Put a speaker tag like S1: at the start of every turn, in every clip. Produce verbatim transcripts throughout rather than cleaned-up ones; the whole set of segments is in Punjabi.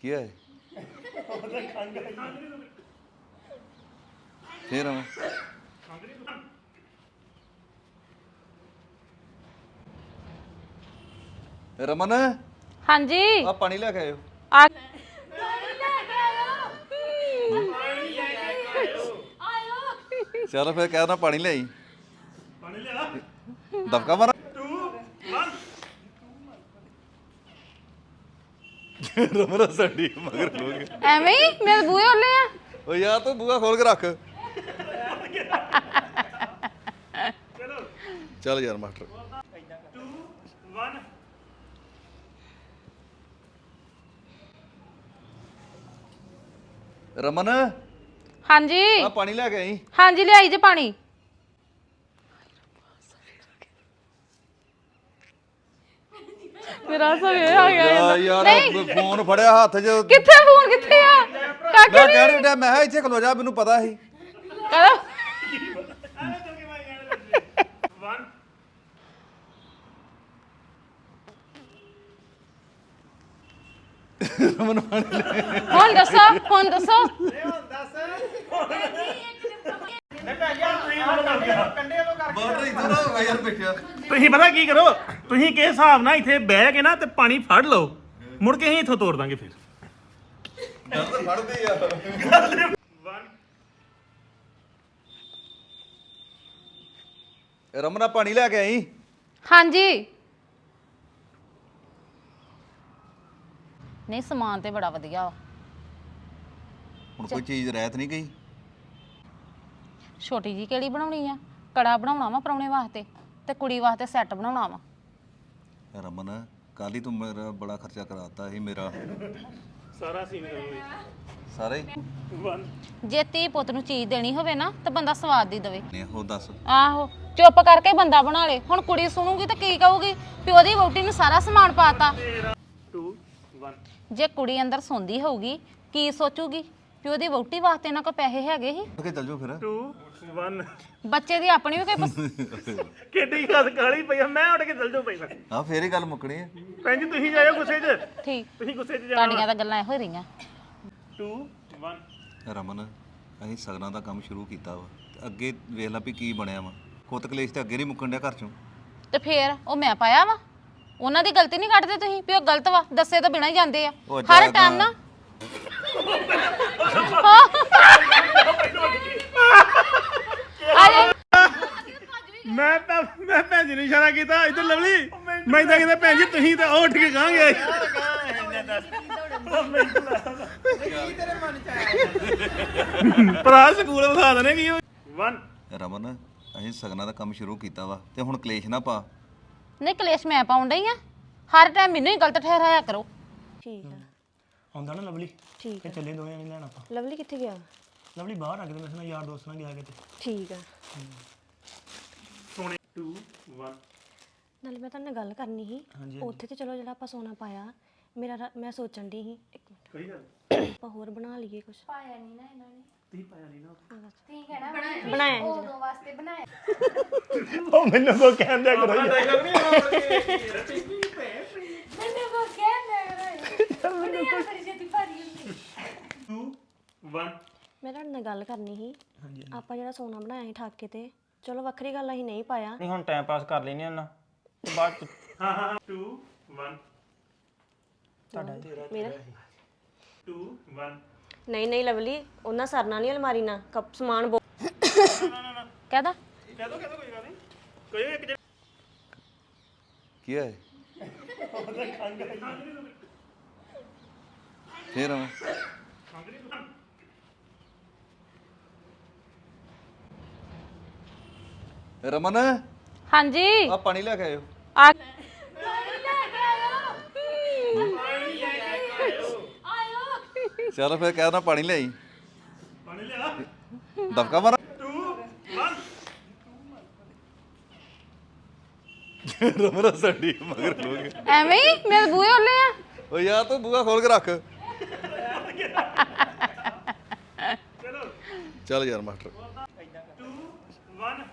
S1: ਕੀ ਹੈ ਫੇਰ ਆਵਾਂ ਰਮਨ
S2: ਹਾਂਜੀ
S1: ਆ ਪਾਣੀ ਲੈ ਕੇ ਆਇਓ
S2: ਆ
S1: ਚਲ ਫਿਰ ਕਹਿ ਨਾ ਪਾਣੀ ਲਿਆਈ ਪਾਣੀ ਲਿਆ ਦਬਕਾ ਮਾਰ ਰਮਨ ਸਾਡੀ ਮਗਰ ਲੋਗੇ
S2: ਐਵੇਂ ਹੀ ਮੇਰੇ ਬੂਹੇ ਹੋਲੇ ਆ
S1: ਓ ਯਾਰ ਤੂੰ ਬੂਹਾ ਖੋਲ ਕੇ ਰੱਖ ਚੱਲ ਯਾਰ ਮਾਸਟਰ ਰਮਨ
S2: ਹਾਂਜੀ
S1: ਆ ਪਾਣੀ ਲੈ ਕੇ ਆਈ
S2: ਹਾਂਜੀ ਲਿਆਈ ਜੇ ਪਾਣੀ ਮੇਰਾ ਸਵੇ ਆ ਗਿਆ
S1: ਯਾਰ ਯਾਰ ਫੋਨ ਫੜਿਆ ਹੱਥ 'ਚ
S2: ਕਿੱਥੇ ਫੋਨ ਕਿੱਥੇ ਆ ਕਾਕੇ
S1: ਮੈਂ ਕਹਿ ਰਿਹਾ ਮੈਂ ਕਿਹਾ ਇੱਥੇ ਖਲੋ ਜਾ ਮੈਨੂੰ ਪਤਾ ਸੀ
S2: ਕਹਦਾ
S1: ਰਮਨ ਪਾਣੀ ਲੈ
S2: ਹੁਣ ਦੱਸੋ ਹੁਣ ਦੱਸੋ
S1: ਬਾਰਡਰ ਇਧਰ ਹੋ ਗਿਆ ਯਾਰ ਬੈਠਿਆ
S3: ਤੁਸੀਂ ਪਤਾ ਕੀ ਕਰੋ ਤੁਸੀਂ ਕਿਸ ਹਿਸਾਬ ਨਾਲ ਇੱਥੇ ਬਹਿ ਕੇ ਨਾ ਤੇ ਪਾਣੀ ਫੜ ਲਓ ਮੁੜ ਕੇ ਅਸੀਂ ਇੱਥੋਂ ਤੋੜ ਦਾਂਗੇ ਫਿਰ
S1: ਗੱਲ ਤਾਂ ਫੜਦੇ ਯਾਰ ਰਮਨਾ ਪਾਣੀ ਲੈ ਕੇ ਆਈ
S2: ਹਾਂਜੀ ਨਹੀਂ ਸਮਾਨ ਤੇ ਬੜਾ ਵਧੀਆ ਵਾ
S1: ਹੁਣ ਕੋਈ ਚੀਜ਼ ਰਹਿਤ ਨਹੀਂ ਗਈ
S2: ਛੋਟੀ ਜੀ ਕਿਹੜੀ ਬਣਾਉਣੀ ਆ ਕੜਾ ਬਣਾਉਣਾ ਵਾ ਪਰੌਣੇ ਵਾਸਤੇ ਤੇ ਕੁੜੀ ਵਾਸਤੇ ਸੈੱਟ ਬਣਾਉਣਾ ਵਾ
S1: ਰਮਨ ਕੱਲ ਹੀ ਤੂੰ ਮੇਰਾ ਬੜਾ ਖਰਚਾ ਕਰਾਤਾ ਸੀ ਮੇਰਾ
S3: ਸਾਰਾ ਸੀਨ ਕਰੋ
S1: ਸਾਰਾ ਹੀ
S2: ਜੇ ਧੀ ਪੁੱਤ ਨੂੰ ਚੀਜ਼ ਦੇਣੀ ਹੋਵੇ ਨਾ ਤਾਂ ਬੰਦਾ ਸਵਾਦ ਦੀ ਦੇਵੇ
S1: ਨਹੀਂ ਹੋ ਦੱਸ
S2: ਆਹੋ ਚੁੱਪ ਕਰਕੇ ਬੰਦਾ ਬਣਾ ਲੇ ਹੁਣ ਕੁੜੀ ਸੁਣੂਗੀ ਤਾਂ ਕੀ ਕਹੂਗੀ ਵੀ ਉਹਦੀ ਵਹੁਟੀ ਨੂੰ ਸਾਰਾ ਸਮਾਨ ਪਾਤਾ
S3: ਟੂ ਵਨ
S2: ਜੇ ਕੁੜੀ ਅੰਦਰ ਸੌਂਦੀ ਹੋਊਗੀ ਕੀ ਸੋਚੂਗੀ ਵੀ ਉਹਦੀ ਵਹੁਟੀ ਵਾਸਤੇ ਇਹਨਾਂ ਕੋਲ ਪੈਸੇ ਹੈਗੇ ਸੀ
S1: ਕਿ ਚੱਲ ਜਾਓ ਫਿਰ
S3: ਟੂ ਵਨ
S2: ਬੱਚੇ ਦੀ ਆਪਣੀ ਵੀ ਕੋਈ ਪਸ-
S3: ਕਿੱਡੀ ਗੱਲ ਕਾਲੀ ਪਈ ਆ, ਮੈਂ ਉੱਠ ਕੇ ਚੱਲ ਜਾਉ ਪਹਿਲਾਂ
S1: ਹਾਂ ਫੇਰ ਹੀ ਗੱਲ ਮੁੱਕਣੀ ਹੈ
S3: ਭੈਣ ਜੀ ਤੁਸੀਂ ਜਾਇਓ ਗੁੱਸੇ 'ਚ
S2: ਠੀਕ
S3: ਤੁਸੀਂ ਗੁੱਸੇ 'ਚ ਜਾਣਾ
S2: ਤੁਹਾਡੀਆਂ ਤਾਂ ਗੱਲਾਂ ਇਹੋ ਹੀ ਰਹੀਆਂ
S3: ਟੂ ਵਨ
S1: ਰਮਨ ਅਸੀਂ ਸਗਨਾਂ ਦਾ ਕੰਮ ਸ਼ੁਰੂ ਕੀਤਾ ਵਾ ਤੇ ਅੱਗੇ ਵੇਖ ਲਾ ਵੀ ਕੀ ਬਣਿਆ ਵਾ ਕੁੱਤ ਕਲੇਸ਼ ਤੇ ਅੱਗੇ ਨਹੀਂ ਮੁੱਕਣ ਡਿਆ ਘਰ ਚੋਂ
S2: ਤੇ ਫੇਰ ਉਹ ਮੈਂ ਪਾਇਆ ਵਾ ਉਹਨਾਂ ਦੀ ਗਲਤੀ ਨਹੀਂ ਕੱਢਦੇ ਤੁਸੀਂ ਵੀ ਉਹ ਗਲਤ ਵਾ ਦੱਸੇ ਤੋਂ ਬਿਨਾਂ ਹੀ ਜਾਂਦੇ ਆ
S1: ਉਹ
S2: ਹਰ
S1: ਜਾ
S2: ਟਾਈਮ ਨਾ
S3: ਮੈਂ ਤਾਂ ਮੈਂ ਭੈਣ ਜੀ ਨੂੰ ਇਸ਼ਾਰਾ ਕੀਤਾ ਇੱਧਰ ਲਵਲੀ ਮੈਂ ਤਾਂ ਕਹਿੰਦਾ ਭੈਣ ਜੀ ਤੁਸੀਂ ਤਾਂ ਉੱਠ ਕੇ ਗਾਂਗੇ ਭਰਾ ਸਕੂਲ ਵਿਖਾ ਦਨੇ ਕੀ ਵਨ
S1: ਰਮਨ ਅਸੀਂ ਸਗਨਾਂ ਦਾ ਕੰਮ ਸ਼ੁਰੂ ਕੀਤਾ ਵਾ ਤੇ ਹੁਣ ਕਲੇਸ਼ ਨਾ ਪਾ
S2: ਨਹੀਂ ਕਲੇਸ਼ ਮੈਂ ਪਾਉਣ ਡਈ ਆ ਹਰ ਟਾਈਮ ਮੈਨੂੰ ਹੀ ਗਲਤ ਠਹਿਰਾਇਆ ਕਰੋ
S4: ਠੀਕ ਆ
S3: ਆਉਂਦਾ ਨਾ ਲਵਲੀ
S4: ਠੀਕ
S3: ਤੇ ਚੱਲੇ ਦੋਵੇਂ ਨਹੀਂ ਲੈਣ ਆਪਾਂ
S4: ਲਵਲੀ ਕਿੱਥੇ ਗਿਆ
S3: ਲਵਲੀ ਬਾਹਰ ਆ ਕੇ ਤੇ ਮੇਰੇ ਨਾਲ ਯਾਰ ਦੋਸਤ ਨਾਲ ਗਿਆ ਕਿਤੇ
S4: ਠੀਕ ਆ
S3: ਸੋਨੇ ਟੂ ਵਨ
S4: ਨਾਲੇ ਮੈਂ ਤੁਹਾਡੇ ਨਾਲ ਗੱਲ ਕਰਨੀ ਸੀ ਉੱਥੇ ਤੇ ਚਲੋ ਜਿਹੜਾ ਆਪਾਂ ਸੋਨਾ ਪਾਇਆ ਮੇਰਾ ਰਾ- ਮੈਂ ਸੋਚਣ ਦੀ ਸੀ ਇੱਕ ਮਿੰਟ
S3: ਕੋਈ ਗੱਲ
S4: ਆਪਾਂ ਹੋਰ ਬਣਾ ਲਈਏ ਕੁਝ
S5: ਪਾਇਆ ਨਹੀਂ ਨਾ ਇਹਨਾਂ ਨੇ
S3: ਤੁਸੀਂ ਪਾਇਆ ਨਹੀਂ ਨਾ
S5: ਤੁਸੀਂ ਕਹਿਣਾ
S4: ਬਣਾਇਆ ਨੀ
S5: ਉਦੋਂ ਵਾਸਤੇ ਬਣਾਇਆ
S3: ਉਹ ਮੈਨੂੰ ਕੋ ਕਹਿੰਦਾ ਕਰੋ
S5: ਮੈਨੂੰ ਕੋ ਕਹਿੰਦਾ ਕਰੋ ਮੈਨੂੰ ਬੜੀ ਛੇਤੀ ਭਾਰੀ ਹੁੰਦੀ
S3: ਟੂ ਵਨ
S4: ਮੈਂ ਤੁਹਾਡੇ ਨਾਲ ਗੱਲ ਕਰਨੀ ਸੀ ਆਪਾਂ ਜਿਹੜਾ ਸੋਨਾ ਬਣਾਇਆ ਸੀ ਠਾਕੇ ਤੇ ਚਲੋ ਵੱਖਰੀ ਗੱਲ ਅਸੀਂ ਨਹੀਂ ਪਾਇਆ
S6: ਨਹੀਂ ਹੁਣ ਟਾਈਮ ਪਾਸ ਕਰ ਲੈਨੇ ਉਹਨਾਂ ਤੇ ਬਾਅਦ ਚ
S3: ਹਾਂ ਹਾਂ ਟੂ ਵਨ
S4: ਮੇਰਾ
S3: ਟੂ ਵਨ
S4: ਨਹੀਂ ਨਹੀਂ ਲਵਲੀ ਉਹਨਾਂ ਸਰਨਾ ਨਹੀਂ ਅਲਮਾਰੀ ਨਾਲ ਕੱਪ ਸਮਾਨ ਬਹੁਤ
S2: ਕਹਦਾ
S3: ਕਹਿ ਦੋ ਕਹਿ ਦੋ ਕੋਈ ਗੱਲ ਨਹੀਂ ਕੋਈ ਇੱਕ ਜਿਹੜਾ
S1: ਕੀ ਹੈ ਫੇਰ ਆਵਾਂ ਰਮਨ
S2: ਹਾਂਜੀ
S1: ਆ ਪਾਣੀ ਲੈ ਕੇ ਆਇਓ
S2: ਆ
S1: ਚਲ ਫਿਰ ਕਹਿ ਨਾ ਪਾਣੀ ਲਿਆਈ
S3: ਪਾਣੀ ਲਿਆ
S1: ਦਬਕਾ ਮਾਰ
S3: ਟੂ ਵਨ
S1: ਰਮਨ ਸਾਡੀ ਮਗਰ ਲੋਗੇ
S2: ਐਵੇਂ ਹੀ ਮੇਰੇ ਬੂਹੇ ਹੋਲੇ ਆ
S1: ਓ ਯਾਰ ਤੂੰ ਬੂਹਾ ਖੋਲ ਕੇ ਰੱਖ ਚੱਲ ਯਾਰ ਮਾਸਟਰ
S3: ਟੂ ਵਨ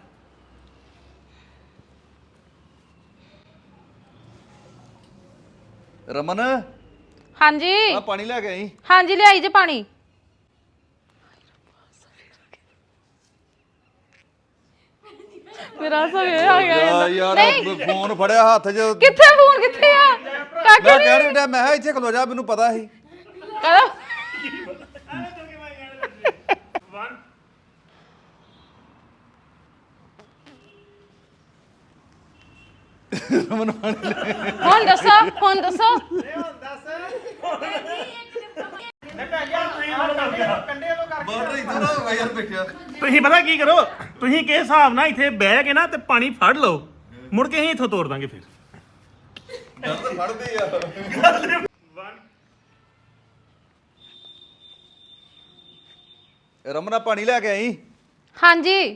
S1: ਰਮਨ
S2: ਹਾਂਜੀ
S1: ਆ ਪਾਣੀ ਲੈ ਕੇ ਆਈ
S2: ਹਾਂਜੀ ਲਿਆਈ ਜੇ ਪਾਣੀ ਮੇਰਾ ਸਵੇ ਆ ਗਿਆ
S1: ਯਾਰ ਯਾਰ ਫੋਨ ਫੜਿਆ ਹੱਥ 'ਚ
S2: ਕਿੱਥੇ ਫੋਨ ਕਿੱਥੇ ਆ ਕਾਕੇ
S1: ਮੈਂ ਕਹਿ ਰਿਹਾ ਮੈਂ ਕਿਹਾ ਇੱਥੇ ਖਲੋ ਜਾ ਮੈਨੂੰ ਪਤਾ ਸੀ
S2: ਕਹਦਾ
S1: ਰਮਨ ਪਾਣੀ ਲੈ
S2: ਹੁਣ ਦੱਸੋ ਹੁਣ ਦੱਸੋ
S1: ਬਾਰਡਰ ਇਧਰ ਹੋ ਗਿਆ ਯਾਰ ਬੈਠਿਆ
S3: ਤੁਸੀਂ ਪਤਾ ਕੀ ਕਰੋ ਤੁਸੀਂ ਕਿਸ ਹਿਸਾਬ ਨਾਲ ਇੱਥੇ ਬਹਿ ਕੇ ਨਾ ਤੇ ਪਾਣੀ ਫੜ ਲਓ ਮੁੜ ਕੇ ਅਸੀਂ ਇੱਥੋਂ ਤੋੜ ਦਾਂਗੇ ਫਿਰ
S1: ਦਰਦ ਫੜਦੇ ਯਾਰ ਰਮਨ ਆ ਪਾਣੀ ਲੈ ਕੇ ਆਈ
S2: ਹਾਂਜੀ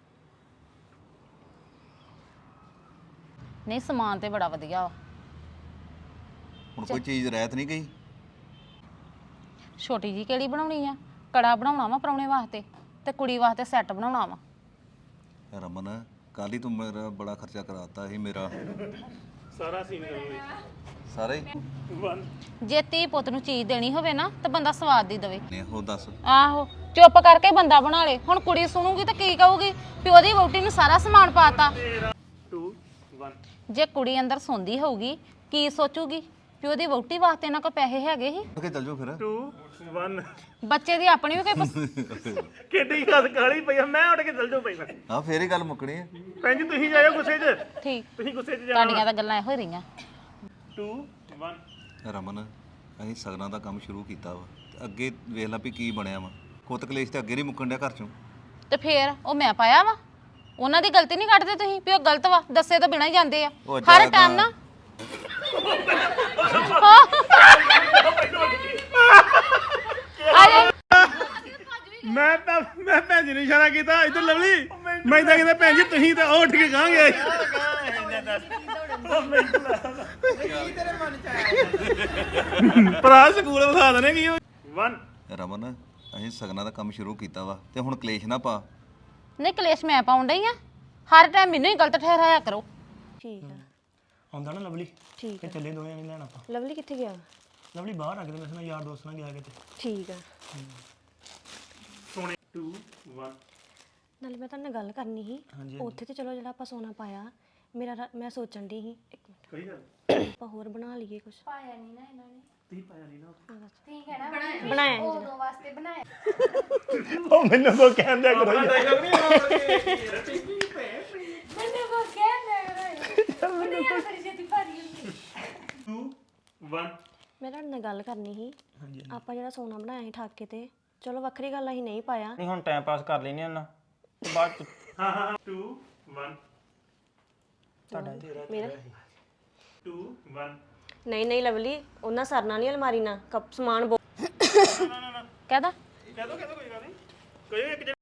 S2: ਨਹੀਂ ਸਮਾਨ ਤੇ ਬੜਾ ਵਧੀਆ ਵਾ
S1: ਹੁਣ ਕੋਈ ਚੀਜ਼ ਰਹਿਤ ਨਹੀਂ ਗਈ
S2: ਛੋਟੀ ਜੀ ਕਿਹੜੀ ਬਣਾਉਣੀ ਆ ਕੜਾ ਬਣਾਉਣਾ ਵਾ ਪਰੌਣੇ ਵਾਸਤੇ ਤੇ ਕੁੜੀ ਵਾਸਤੇ ਸੈੱਟ ਬਣਾਉਣਾ ਵਾ
S1: ਰਮਨ ਕੱਲ ਹੀ ਤੂੰ ਮੇਰਾ ਬੜਾ ਖਰਚਾ ਕਰਾਤਾ ਸੀ ਮੇਰਾ
S3: ਸਾਰਾ ਸੀਨ ਕਰੋਗੇ
S1: ਸਾਰਾ ਹੀ
S2: ਜੇ ਧੀ ਪੁੱਤ ਨੂੰ ਚੀਜ਼ ਦੇਣੀ ਹੋਵੇ ਨਾ ਤਾਂ ਬੰਦਾ ਸਵਾਦ ਦੀ ਦੇਵੇ
S1: ਨੇ ਉਹ ਦੱਸ
S2: ਆਹੋ ਚੁੱਪ ਕਰਕੇ ਬੰਦਾ ਬਣਾ ਲੇ ਹੁਣ ਕੁੜੀ ਸੁਣੂਗੀ ਤਾਂ ਕੀ ਕਹੂਗੀ ਵੀ ਉਹਦੀ ਵਹੁਟੀ ਨੂੰ ਸਾਰਾ ਸਮਾਨ ਪਾਤਾ
S3: ਟੂ ਵਨ
S2: ਜੇ ਕੁੜੀ ਅੰਦਰ ਸੌਂਦੀ ਹੋਊਗੀ ਕੀ ਸੋਚੂਗੀ ਵੀ ਉਹਦੀ ਵਹੁਟੀ ਵਾਸਤੇ ਨਾ ਕੋਈ ਪੈਸੇ ਹੈਗੇ ਸੀ
S1: ਓਕੇ ਚੱਲ ਜਾਓ ਫਿਰ
S3: ਟੂ ਵਨ
S2: ਬੱਚੇ ਦੀ ਆਪਣੀ ਵੀ ਕੋਈ ਪਸ-
S3: ਕਿੱਡੀ ਗੱਲ ਕਾਲੀ ਪਈ ਆ, ਮੈਂ ਉੱਠ ਕੇ ਚੱਲ ਜਾਉ ਪਹਿਲਾਂ
S1: ਹਾਂ ਫੇਰ ਹੀ ਗੱਲ ਮੁੱਕਣੀ ਹੈ
S3: ਭੈਣ ਜੀ ਤੁਸੀਂ ਜਾਇਓ ਗੁੱਸੇ 'ਚ
S2: ਠੀਕ
S3: ਤੁਸੀਂ ਗੁੱਸੇ 'ਚ ਜਾਣਾ
S2: ਤੁਹਾਡੀਆਂ ਤਾਂ ਗੱਲਾਂ ਇਹੋ ਹੀ ਰਹੀਆਂ
S3: ਟੂ ਵਨ
S1: ਰਮਨ ਅਸੀਂ ਸਗਨਾਂ ਦਾ ਕੰਮ ਸ਼ੁਰੂ ਕੀਤਾ ਵਾ ਤੇ ਅੱਗੇ ਵੇਖ ਲਾ ਵੀ ਕੀ ਬਣਿਆ ਵਾ ਕੁੱਤ ਕਲੇਸ਼ ਤੇ ਅੱਗੇ ਨਹੀਂ ਮੁੱਕਣ ਡਿਆ ਘਰ ਚੋਂ
S2: ਤੇ ਫੇਰ ਉਹ ਮੈਂ ਪਾਇਆ ਵਾ ਉਹਨਾਂ ਦੀ ਗਲਤੀ ਨਹੀਂ ਕੱਢਦੇ ਤੁਸੀਂ ਵੀ ਉਹ ਗਲਤ ਵਾ ਦੱਸੇ ਤੋਂ ਬਿਨਾਂ ਹੀ ਜਾਂਦੇ ਆ
S1: ਉਹ
S2: ਹਰ
S1: ਜਾਗਾ।
S2: ਟਾਈਮ ਨਾ ਆ ਜਾ
S3: ਮੈਂ ਤਾਂ ਮੈਂ ਭੈਣ ਜੀ ਨੂੰ ਇਸ਼ਾਰਾ ਕੀਤਾ ਇੱਧਰ ਲਵਲੀ ਮੈਂ ਤਾਂ ਕਹਿੰਦਾ ਭੈਣ ਜੀ ਤੁਸੀਂ ਤਾਂ ਉਹ ਉੱਠ ਕੇ ਕਹਾਂਗੇ ਭਰਾ ਸਕੂਲ ਵਿਖਾ ਦਨੇ ਕੀ ਵਨ
S1: ਰਮਨ ਅਸੀਂ ਸਗਨਾਂ ਦਾ ਕੰਮ ਸ਼ੁਰੂ ਕੀਤਾ ਵਾ ਤੇ ਹੁਣ ਕਲੇਸ਼ ਨਾ ਪਾ
S2: ਨਹੀਂ ਕਲੇਸ਼ ਮੈਂ ਪਾਉਣ ਡਈ ਆ ਹਰ ਟਾਈਮ ਮੈਨੂੰ ਹੀ ਗਲਤ ਠਹਿਰਾਇਆ ਕਰੋ
S4: ਠੀਕ ਆ
S6: ਆਉਂਦਾ ਨਾ ਲਵਲੀ
S4: ਠੀਕ
S6: ਤੇ ਚੱਲੇ ਦੋਵੇਂ ਨਹੀਂ ਲੈਣਾ ਆਪਾਂ
S4: ਲਵਲੀ ਕਿੱਥੇ ਗਿਆ
S6: ਲਵਲੀ ਬਾਹਰ ਆ ਕੇ ਤੇ ਮੈਂ ਸੁਣਾ ਯਾਰ ਦੋਸਤ ਨਾਲ ਗਿਆ ਕਿਤੇ
S4: ਠੀਕ ਆ
S3: ਸੋਨੇ ਟੂ ਵਨ
S4: ਨਾਲੇ ਮੈਂ ਤੁਹਾਡੇ ਨਾਲ ਗੱਲ ਕਰਨੀ ਸੀ ਉੱਥੇ ਤੇ ਚਲੋ ਜਿਹੜਾ ਆਪਾਂ ਸੋਨਾ ਪਾਇਆ ਮੇਰਾ ਰਾ- ਮੈਂ ਸੋਚਣ ਦੀ ਸੀ ਇੱਕ ਮਿੰਟ
S3: ਕੋਈ ਗੱਲ
S4: ਆਪਾਂ ਹੋਰ ਬਣਾ ਲਈਏ ਕੁਝ
S5: ਪਾਇਆ ਨਹੀਂ ਨਾ ਇਹਨਾਂ ਨੇ
S3: ਤੁਸੀਂ ਪਾਇਆ ਨਹੀਂ ਨਾ
S5: ਠੀਕ ਹੈ ਨਾ ਬਣਾਇਆ
S4: ਬਣਾਇਆ ਸੀ
S5: ਉਦੋਂ ਵਾਸਤੇ ਬਣਾਇਆ
S3: ਉਹ ਮੈਨੂੰ ਕੋ ਕਹਿੰਦਾ ਕਰੋ
S5: ਮੈਨੂੰ ਕੋ ਕਹਿੰਦਾ ਕਰੋ ਦੁਨੀਆ ਬੜੀ ਛੇਤੀ ਭਾਰੀ ਹੁੰਦੀ
S3: ਟੂ ਵਨ
S4: ਮੈਂ ਤੁਹਾਡੇ ਨਾਲ ਗੱਲ ਕਰਨੀ ਸੀ ਆਪਾਂ ਜਿਹੜਾ ਸੋਨਾ ਬਣਾਇਆ ਸੀ ਠਾਕੇ ਤੇ ਚਲੋ ਵੱਖਰੀ ਗੱਲ ਅਸੀਂ ਨਹੀਂ ਪਾਇਆ
S6: ਨਹੀਂ ਹੁਣ ਟਾਈਮ ਪਾਸ ਕਰ ਲੈਨੇ ਉਹਨਾਂ ਤੇ ਬਾਅਦ ਚ
S3: ਹਾਂ ਹਾਂ ਟੂ ਵਨ
S4: ਮੇਰਾ
S3: ਟੂ ਵਨ
S4: ਨਹੀਂ ਨਹੀਂ ਲਵਲੀ ਉਹਨਾਂ ਸਰਨਾ ਨਹੀਂ ਅਲਮਾਰੀ ਨਾਲ ਕੱਪ ਸਮਾਨ ਬਹੁ-
S2: ਕਹਦਾ
S3: ਕਹਿ ਦੋ ਕਹਿ ਦੋ ਕੋਈ ਗੱਲ ਨਹੀਂ ਕੋਈ ਇੱਕ